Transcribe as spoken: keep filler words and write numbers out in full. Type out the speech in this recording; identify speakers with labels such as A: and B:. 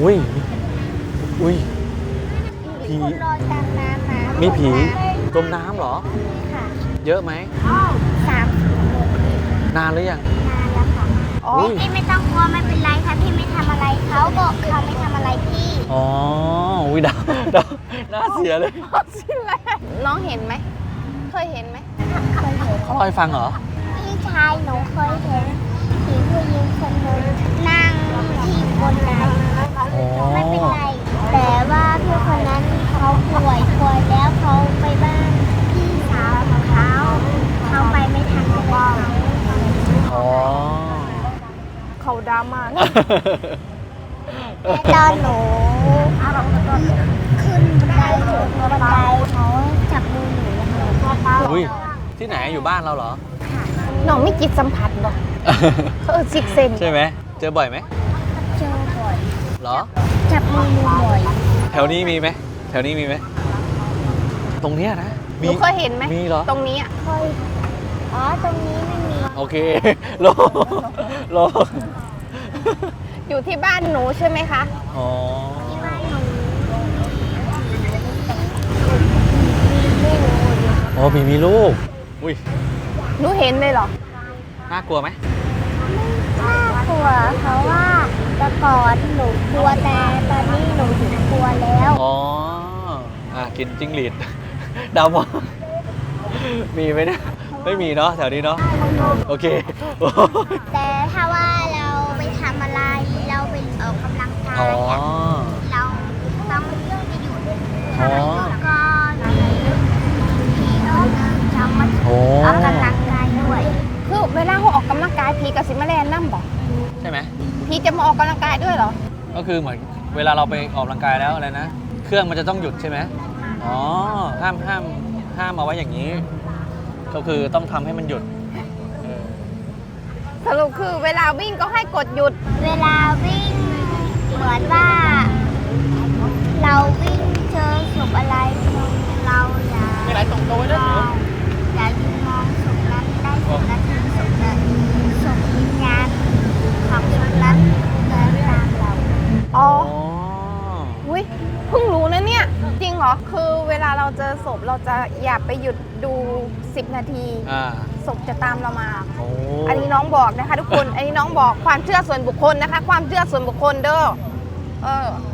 A: อุ้ยอุ้ยผี
B: คนรอตามน้ำมา
A: มี
B: มี
A: ผีจมน้ำเหรอ
B: ค่ะ
A: เยอะไหม
B: สามสิบคน
A: นานหรือยัง
B: นานแล้วค่ะ
A: อ๋อ
B: พี่ไม่ต้องกลัวไม่เป็นไรค่ะพี่ไม่ทำอะไรเขาบอกเขาไม่ทำอะไรพี่
A: อ๋ออุ้ยดาวดาวน่าเสียเลย
C: น้องเห็นไหม เคยเห็นไหม
B: เคยเห็น
A: เขาเล่าให้ฟังเหรอ
B: พี่ชายหนูเคยเห็นผีผู้หญิงคนหนึ่งนั่งที่บนน้ำ
A: อ๋อ
B: ไม่เป็นไร แต่ว่าพี่คนนั้นเขาป่วยป่วยแล้วเขาไปบ้านพี่สาวของเขาเขาไปไม่ทันเลย
A: อ๋อ
C: เขาดราม่า
B: แต่ตอนหนูขึ้นบันไดถึงบันไดเขาจับมือหนูแล้วเขา
A: อุ้ยที่ไหนอยู่บ้านเราเหรอ
C: น้องไม่จิตสัมผัสหรอกเขาเออซิกเซน
A: ใช่ไหมเจอบ่อยไหม
B: เจอบ่อย
A: เหรอ
B: จับมือหนูบ่อย
A: แถวนี้มีไหมแถวนี้มีไหมตรงเนี้ยนะ
C: หนูเคยเห็นไหม
A: มีเหรอ
C: ตรงนี้อะ
B: เคยอ๋อตรงนี้ไม่มี
A: โอเคโลโล
C: อยู่ที่บ้านหนูใช่ไหมคะ
A: อ๋อ
B: ที่บ้านหนู
A: อ๋อผีมีลูกอุ้ย
C: หนูเห็นเลยเหรอ
A: น่ากลัวไหม
B: น่ากลัวเพราะว่าแต่ก่อนหนูกลัวแต่ตอนนี้หนูถึงกลัวแล้ว
A: อ๋ออ่ะกินจิ้งหรีด ดาวมองมีไหมเนี่ยไม่มีเนาะแถวนี้เนาะโอเค
B: แต่ถ้าว่าเราไปทำอะไรเราไปออกกำลังกา
A: อ๋อย
B: อะเราต้องไปหยุด
A: อ๋อ
B: แล้วก็ผีคนนึงจะมา
A: โอ้
B: ออกกำลังกายด้วย
C: คือเวลาเขาออกกำลังกายพีกับซิมาแลนนั่มบอก
A: ใช่ไหม
C: พีจะมาออกกำลังกายด้วยเหรอ
A: ก็คือเหมือนเวลาเราไปออกกำลังกายแล้วอะไรนะ เครื่องมันจะต้องหยุดใช่ไหมอ๋อ ห้ามห้ามห้ามเอาไว้อย่างนี้ ก็คือต้องทำให้มันหยุดเออ
C: สรุปคือเวลาวิ่งก็ให้กดหยุด
B: เวลาวิ่งเหมือนว่า เราวิ่งเจอศพอะไรเราอย่า
A: มีอะไรตรงตัวไว้ด้วยเหรอ
B: อย่ายืนมองศพนั้นได้ศพนั้นถึงศพนั้นศพวิญญาณของศพนั้นเดินตามเรา
C: อ๋อ
A: อ๋อ
C: อุ้ยเพิ่งรู้นะเนี่ย จริงเหรอ คือเวลาเราเจอศพเราจะอย่าไปหยุดดูสิบนาที
A: อ่า
C: ศพจะตามเรามา
A: โอ้
C: อันนี้น้องบอกนะคะทุกคน อันนี้น้องบอกความเชื่อส่วนบุคคลนะคะ ความเชื่อส่วนบุคคลเด้อ เออ